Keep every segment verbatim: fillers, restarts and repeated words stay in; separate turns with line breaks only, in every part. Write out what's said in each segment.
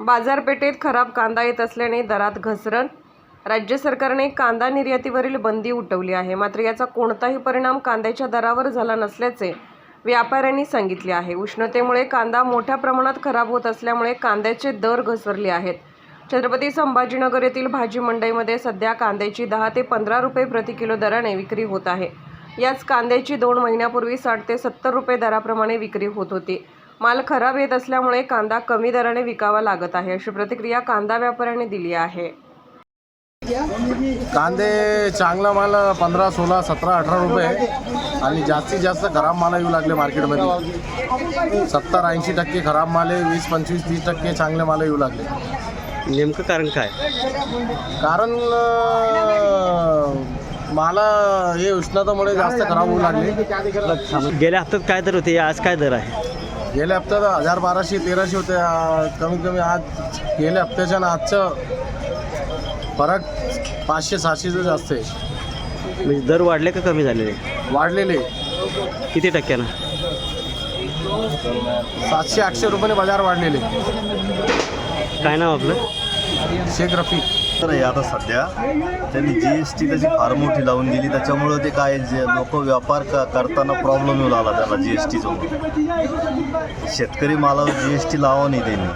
बाजारपेठेत खराब कांदा येत असल्याने दरात घसरण। राज्य सरकारने कांदा निर्यातीवरील बंदी उठवली आहे, मात्र याचा कोणताही परिणाम कांद्याच्या दरावर झाला नसल्याचे व्यापाऱ्यांनी सांगितले आहे। उष्णतेमुळे कांदा मोठ्या प्रमाणात खराब होत असल्यामुळे कांद्याचे दर घसरले आहेत। छत्रपती संभाजीनगर येथील भाजी मंडईमध्ये सध्या कांद्याची दहा ते पंधरा रुपये प्रति किलो दराने विक्री होत आहे। याच कांद्याची दोन महिन्यापूर्वी साठ ते सत्तर रुपये दराप्रमाणे विक्री होत होती। माल खराब येत असल्यामुळे कांदा कमी दराने विकावा लागत आहे, अशी प्रतिक्रिया कांदा व्यापाऱ्यांनी दिली आहे।
कांदे चांगला माल पंधरा सोळा सतरा अठरा रुपये आणि जास्तीत जास्त खराब माल येऊ लागले मार्केटमध्ये। सत्तर ऐंशी टक्के खराब माल आहे, वीस पंचवीस तीस टक्के चांगले माल येऊ लागले।
नेमकं कारण काय?
कारण माला हे उष्णतेमुळे जास्त खराब होऊ लागले।
गेल्या हप्त्यात काय दर होते, आज काय दर आहे?
गेल्या हप्त्यात हजार बाराशे तेराशे होते, कमीत कमी आज गेल्या हप्त्याच्या ना आजचं फरक पाचशे सहाशेचं जास्त आहे।
म्हणजे दर वाढले का कमी झालेले?
वाढलेले
किती टक्क्यानं?
सातशे आठशे रुपयाने बाजार वाढलेले।
काय नाव आपलं?
शेख रफी।
तर हे आता सध्या त्यांनी जी एस टी त्याची फार मोठी लावून दिली, त्याच्यामुळं ते काय जे लोक व्यापार क करताना प्रॉब्लेम येऊ लागला त्याला जी एस टीचं। शेतकरी मालावर जी एस टी लावा नाही त्यांनी।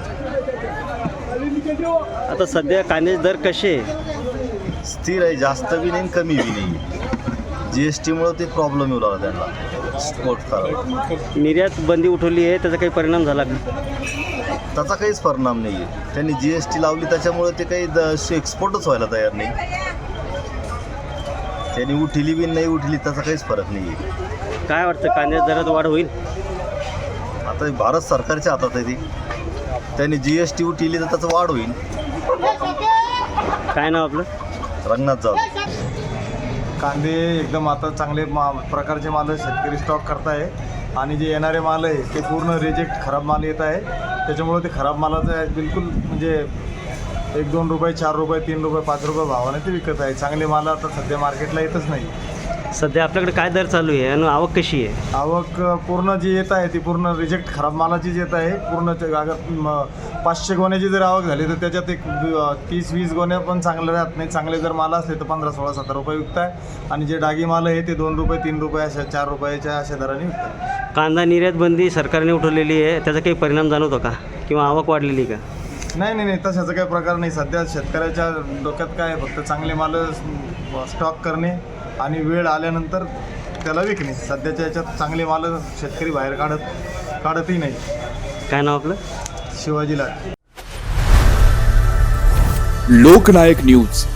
आता सध्या कांद्याचे दर कसे आहे?
स्थिर आहे, जास्त बी नाही कमी बी नाही। जी एस टीमुळं ते प्रॉब्लेम येऊ लागला त्यांना एक्सपोर्ट करायला।
निर्यात बंदी उठवली आहे, त्याचा काही परिणाम झाला का?
त्याचा काहीच परिणाम नाही आहे। त्यांनी जी एस टी लावली त्याच्यामुळे ते काही द एक्सपोर्टच व्हायला तयार नाही। त्यांनी उठली बी नाही उठली त्याचा काहीच फरक नाही आहे।
काय वाटतं, कांद्याच्या दरात वाढ होईल?
आता भारत सरकारच्या हातात आहे ती। त्यांनी जी एस टी उठली तर त्याचं वाढ होईल।
काय नाव आपलं?
रंगनाथ जाऊ।
कांदे एकदम आता चांगले मा प्रकारचे माल शेतकरी स्टॉक करताय आणि जे येणारे माल आहे ते पूर्ण रिजेक्ट खराब माल येत आहे। त्याच्यामुळे ते खराब मालाचं बिलकुल म्हणजे एक दोन रुपये चार रुपये तीन रुपये पाच रुपये भावाने ते विकत आहे। चांगले माल आता सध्या मार्केटला येतच नाही।
सध्या आपल्याकडे काय दर चालू आहे आणि आवक कशी आहे?
आवक पूर्ण जी येत आहे ती पूर्ण रिजेक्ट खराब मालाचीच येत आहे। पूर्ण अगर पाचशे गोण्याची जर आवक झाली तर त्याच्यात एक तीस वीस गोण्या पण चांगले राहत नाही। चांगले जर माल असले तर पंधरा सोळा सतरा रुपये विकत आहे आणि जे डागी माल आहे ते दोन रुपये तीन रुपये अशा चार रुपयाच्या अशा दराने विकतात।
कांदा निर्यात बंदी सरकारने उठवलेली आहे, त्याचा काही परिणाम जाणवतो का किंवा आवक वाढलेली का?
नाही नाही नाही तशाचा काही प्रकार नाही। सध्या शेतकऱ्याच्या डोक्यात काय आहे, फक्त चांगले माल स्टॉक करणे आणि वेळ आल्यानंतर त्याला विकणे। सध्याच्या याच्यात चांगले माल शेतकरी बाहेर काढत काढतही नाही।
काय नाव आपलं?
शिवाजीला।
लोकनायक न्यूज